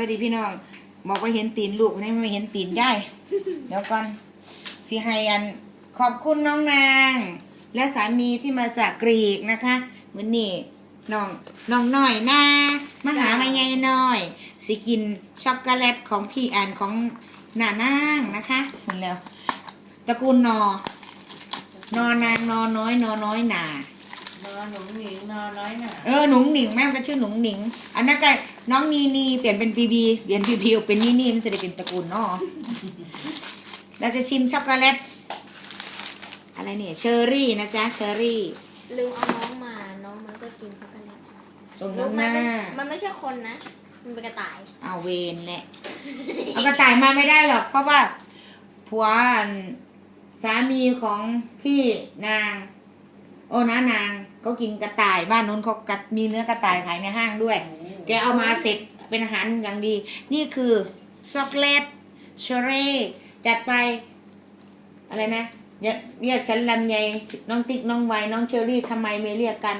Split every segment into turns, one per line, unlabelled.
วัสดีพี่น้องบอกว่าเห็นตีนลูกนี่ไม่เห็นตีนย่ายเดี๋ยวก่อนสิให้อันขอบคุณน้องนางและสามีที่มาจากกรีกนะคะเหมือนนี่น้องน้อยนะมาหามาใหญ่น้อยสิกินช็อกโกแลตของพี่อันของหน้านางนะคะเห็นแล้วตระกูลนอนางนอน้อยหนาน
อหนุ่มหนิงนอน้อยหน่ะ
หนุ่งหนิงแม่ก็ชื่อหนุ่งหนิงอันนั้นก็น้องนีเปลี่ยนเป็นบีเปลี่ยนพีเป็นนี่มันจะได้เป็นตระกูลเนาะเราจะชิมช็อกโกแลตอะไรเนี่ยเชอร์รี่นะจ๊ะเชอร์รี่
ลืมเอาน้องมาน้องมันก็กินช็อกโกแลต
ส่ง
ลู
น้อก งห
มัน
น้า
มันไม่ใช่คนนะมันเป็นกระต่าย
เอาเวนแหละเอากระต่ายมาไม่ได้หรอกเพราะว่าผัวสามีของพี่นางโอ้น้านางเขากินกระต่ายบ้านนู้นเขามีเนื้อกระต่ายขายในห้างด้วย แกเอามาเสร็จเป็นอาหารอย่างดี นี่คือช็อกโกแลตเชอร์รี่จัดไปอะไรนะเรียกฉันลำไยน้องติ๊กน้องไวน้องเชอรี่ทำไมไม่เรียกกัน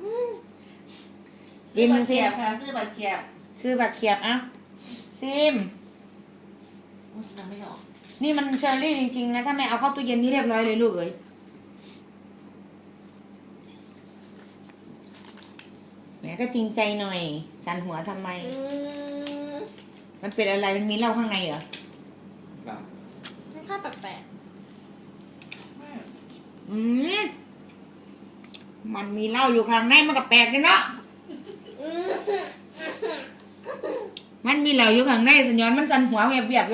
ซื้อบัตรเขียบค่ะซื้อบัตรเขียบ
ซื้อบัตรเขียบอ่ะซิม
ยังไม่ออก
นี่มันเชอร์รี่จริงๆนะถ้าไม่เอาเข้าตู้เย็นนี่เรียบร้อยเลยลูกเอ้ยแหมก็จริงใจหน่อยสันหัวทำไม มันเป็นอะไรมันมีเหล้าข้างในเหรอ
ไม่ค่าแปลก
อืมมันมีเหล้าอยู่ข้างในมันก็แปลกเลยเนาะ
ๆ
มันมีเหล้าอยู่ข้างในสัญญาณมันสันหัวเวียบๆอยู่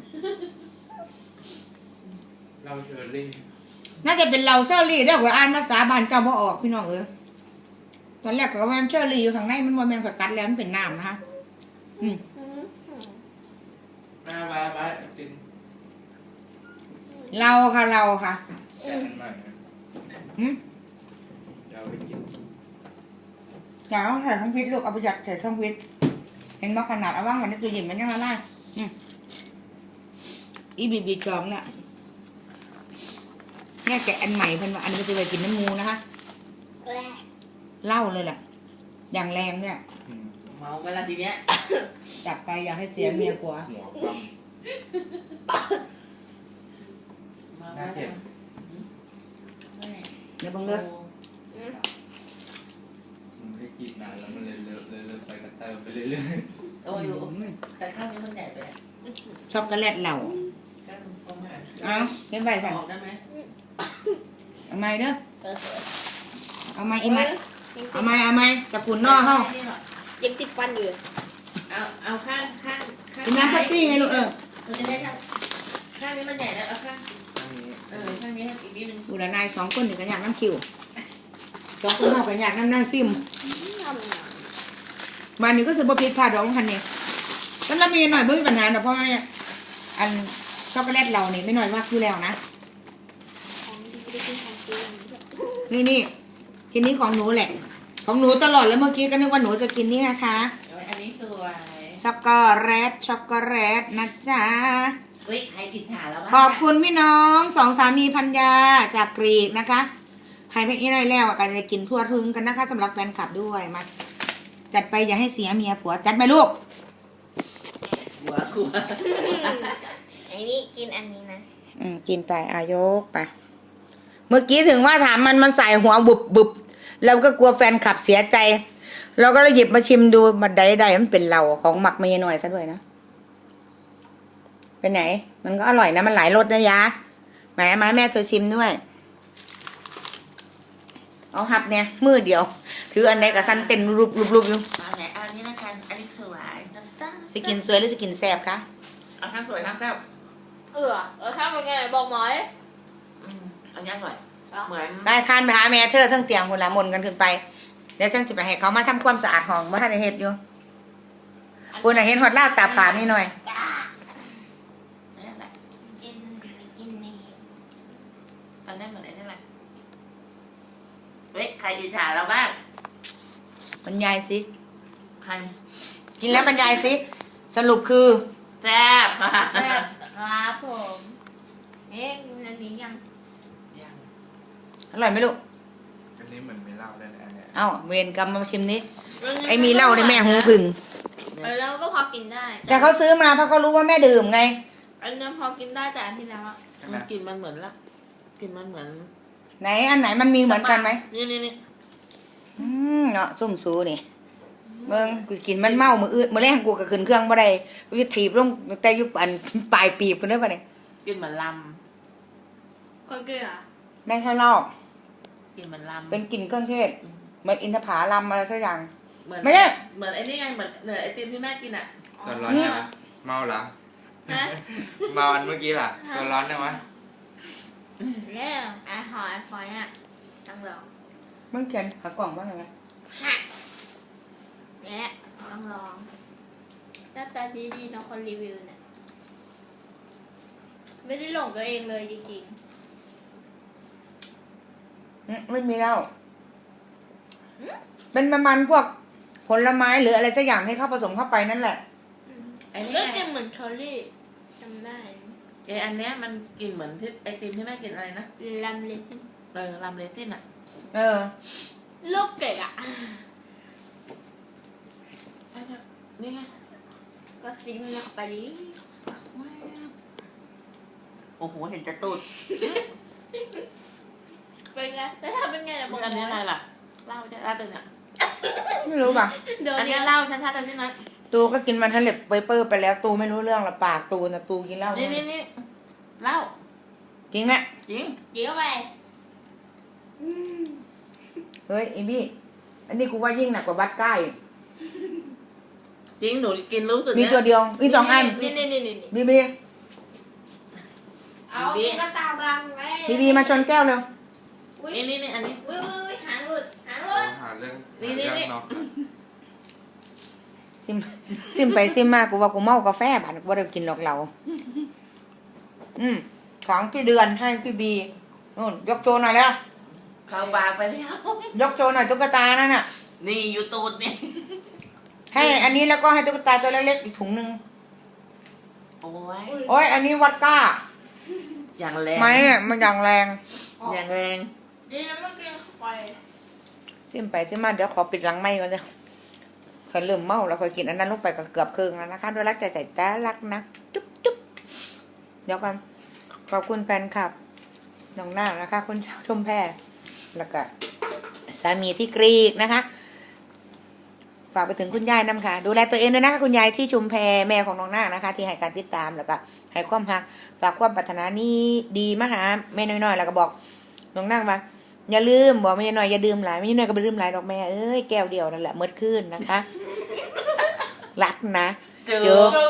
เราเชอรี่
น่าจะเป็นเหล้าเชอร์รี่เด้อหัวอ่านภาษาบ้านเจ้าบ่ออกพี่น้องเอ้ยตอนแรกก็ว่ามันเชอร์รี่อยู่ข้างในมันบ่แม่นกับกัดแล้วมันเป็นน้ำนะคะอืม
มาบ้ากิน
เราค่ะ
แต่มันใหม่นะ
อืม
จะเอาไปกิน
อย่าเอาใส่ช่องฟิตลูกเอาไปยัดใส่ช่องฟิตเห็นว่าขนาดเอาว่างไว้ในตู้เย็นมันยังละลายอีบีจองเนี่ยแม่แกะอันใหม่เพิ่นว่าอันนี้ก็จะไปกินน้ำมูนะคะเหล้าเลยแหละอย่างแรงเนี่ย
เมาเวลาทีเนี้ย
จับไปอย่าให้เสียเมียกลัว
หัวความ
เมา
น่าเจ็บ
เดี๋ยวบังเลิก
มันไม่ได้กินนานแล้วมันเลยเลอะไปกระเติมไปเรื่อย
โอ้ยแต่ข้างนี้มันใหญ่ไป
ช็อกโกแลตเหล่า
ก็ประมาณ
เอาเห็นใบสั่น
ออกได้ไหม
เอาไม้เด้อ
เออ
เอาไม้อีไม้
ยัง
เอาไม้ตะกุนนอกเฮา
ยังติดฟันอยู่
เอาข้าง
กินน้ำพัตตี้ไงลูก
มันจะได้ข้างนี้มันใหญ่แล้วเอาข้าง
ๆอันนี้
ข้างนี้อีกนิดนึง
ดูแลนายสองคนถึงกันอยากน้ำคิวสองคนนอกกันอยากน้ำซิม
ทำหนัง
บ้านนี้ก็จะบ่ผิดพลาดดอกคันนี้แล้วเรามีหน่อยบ่มีปัญหาดอกเพราะว่าอันช็อกโกแลตเรานี่ไม่หน่อยมากอยู่แล้วนะ
ของดีไม่ได้กินของจริง
นี่ทีนี้ของหนูแหละ ของหนูตลอดแล้วเมื่อกี้ก็นึกว่าหนูจะกินนี่นะคะ
อันนี้สวย
ช็อกโกแลตนะจ๊ะ
เฮ้ยใครติดฉาแล้ว
ขอบคุณพี่น้องสองสามีพันยาจากกรีกนะคะให้พี่นี่ได้แล้วกันจะกินทั่วถึงกันนะคะสำหรับแฟนคลับด้วยมาจัดไปอย่าให้เสียเมียผัวจัดไปลูก
หัว
ไอ้นี่กินอันนี้นะ
กินไปอายกไปเมื่อกี้ถึงว่าถามมันใส่หัวบุบแล้วก็กลัวแฟนคลับเสียใจเราก็เลยหยิบมาชิมดูมาได้มันเป็นเราของหมักเมย์หน่อยซะด้วยนะเป็นไหนมันก็อร่อยนะมันหลายรสนะยะแม่เธอชิมด้วยเอาหับเนี่ยมือเดียวถืออันไหนกับสั้นเต้นรูปอยู่
มาไหนอันนี้ละกันอันนี้สวยนะจ๊ะ
สกินสวยหรือสกินแซ่บคะ
เอาข้างสวยข้างแซ่บ
ถ้าเป็นไงบอกหมอย
อันนี้อร่อยเหมือน
ได้ทานไปหาแม่เธอทั้งเตียงคนละมนกันขึ้นไปเดี๋ยวฉันจะไปให้เขามาทำความสะอาดห้องว่าท่านได้เฮ็ดอยู่คุณเห็นฮอตลาบตาผานี่หน่อย
นั่นแหละ
กินนี่
อันนั้นเหมือนไอ้นั่นแหละเฮ้ยใครติดฉาแล้วบ้าง
บรรยายสิ
ใคร
กินแล้วบรรยายสิสรุปคือ
แซ่บค่ะ
ครับผมเอ๊ะอันนี้ยัง
อร่อยไหมลูก
อันนี้เหมือนไม่เล่าได้เลยอันเนี้ย
เอ้าเวรกรรมมาชิมนี้ไอ้มีเหล้าในแม่หูผึ่ง
แม่
แล้วก็พอกินได้
แต่เขาซื้อมาเพราะเขารู้ว่าแม่ดื่มไง
อันนั้นพอกินได้แต่อันที่แล้วอะ
มันกลินมันเหมือนละกลินมันเหมือน
ไหนอันไหนมันมีเหมือนกันไหม
นี่
เนาะซุ่มซูนี่เมืองกูกินมันเมามืออื่นมือแรกกูก็ขึ้นเครื่องบ่ได้กูจะถีบลงแต่ยุบอันปลายปีบกันได้ปะเนี่ย
กลินเหมือนล
คนเกลือ
แม่งข้างนอก
ำกลินเหมือนลำ
เป็นกลิ่นเครื่องเทศเหมือนอินทผลัมอะไรสักอย่าง
เหมือน
ไม่ใช่
เหมือนไอ้นี่ไงเหมือนไอติมที่แม่กินอ่ะ
ตอนร้อนใช่ไหมเมาเหรอ
นะ
เมาอันเมื่อกี้ล่ะตอนร้อนได้ไหม
เนี่ยไอหอยฟอยอ่ะต้องลอง
มึงเขียนหากล่องว่าไงวะ
ฮะเนี่ยต้องลองหน้าตาดีๆเนาะคนรีวิวเนี่ยไม่ได้หลงตัวเองเลยจริง
ไม่มีแล้วเป็นประมาณพวกผลไม้หรืออะไรสักอย่างให้เข้าผสมเข้าไปนั่นแหละ
ๆ
ไอ้นี่
ก็
ไง
กินเหมือนเชอร์รี่จำได้
ไออันเนี้ยมันกลินเหมือนที่ไอติมที่แม่กินอะไรนะ
ลำเล็ก
ลำเลซินอ่ะ
เออ
ลูกเกดอ่ะ
ไอ้เนี่ยนี่ไง
ก็ซิมเข้าไปดิ
โอ้โหเห็นจะตูด
เป็นไงแล้วถ้าเป็นไงล่ะบอก
อันนี้อะไรล่ะเหล้าจะอะไรเนี่ย
ไม่รู้ป่ะ
เดี๋ยว
อัน
นี้
นี้เหล้าชัดๆอันนี้นะ
ตูก็กินมันทะเลเปเปอร์ไปแล้วตูไม่รู้เรื่องละปากตูนะตูกินเหล้า
นี่เหล้า
จริงแหละ
จริง
เดี๋ยวไป
เฮ้ยอีบี้อันนี้กูว่ายิ่งหนักกว่าบัตรใกล้
จริงหนูกินรู้สึก
มี
เนี่ย
ตัวเดียวมีสองอัน
นี่
บีบี
เอาตุ๊กตาบังไว้
บีบีมาชนแก้วเร็ว
อุ้ย
นี่อันนี้
อุ้ยหางหลุดหางหลุด
หาเรื่อง
นี่
หา
นี่
เรื่องเนาะ
ซิมไปซิมมากูว่ากูเมากาแฟผ่านกูบ่ได้กินหรอกเราของพี่เดือนให้พี่บีนู่นยกโชว์หน่อยแล้ว
เข้าปากไปแล้ว
ยกโชว์หน่อยตุ๊กตานั่นน่ะ
นี่อยู่ตูดนี่
ให้อันนี้แล้วก็ให้ตุ๊กตาตัวเล็กๆอีกถุงนึง
โอ้ย
โอ้ยอันนี้วัดก้า
อย่างแรง
ไม้อะมันอย่างแรง
อย่างแรง
ดีนะเมื่อกี้ไฟ
ซิมไปซิมมาเดี๋ยวขอปิดหลังไม้ก่อนเลยเคยเริ่มเมาแล้วเคยกินอันนั้นลงไปก็เกือบครึ่งแล้วนะคะด้วยรักใจจ้ารักนะจุ๊บจุ๊บเดี๋ยวกันขอบคุณแฟนคลับน้องหน้านะคะคนชมแพรแล้วก็สามีที่กรีกนะคะ ฝากไปถึงคุณยายน้ำค่ะ ดูแลตัวเองด้วยนะคะคุณยายที่ชุมแพแม่ของน้องนาคนะคะ ที่ให้การติดตามแล้วก็ให้ความรักฝากความปรารถนานี้ดีมาหาแม่น้อยๆแล้วก็บอกน้องนาคว่าอย่าลืมบอกแม่น้อยอย่าดื่มหลายแม่น้อยก็ไปดื่มหลายดอกแม่เอ้ยแก้วเดียวนั่นแหละเมื่อคืนนะคะ รักนะ
เจอ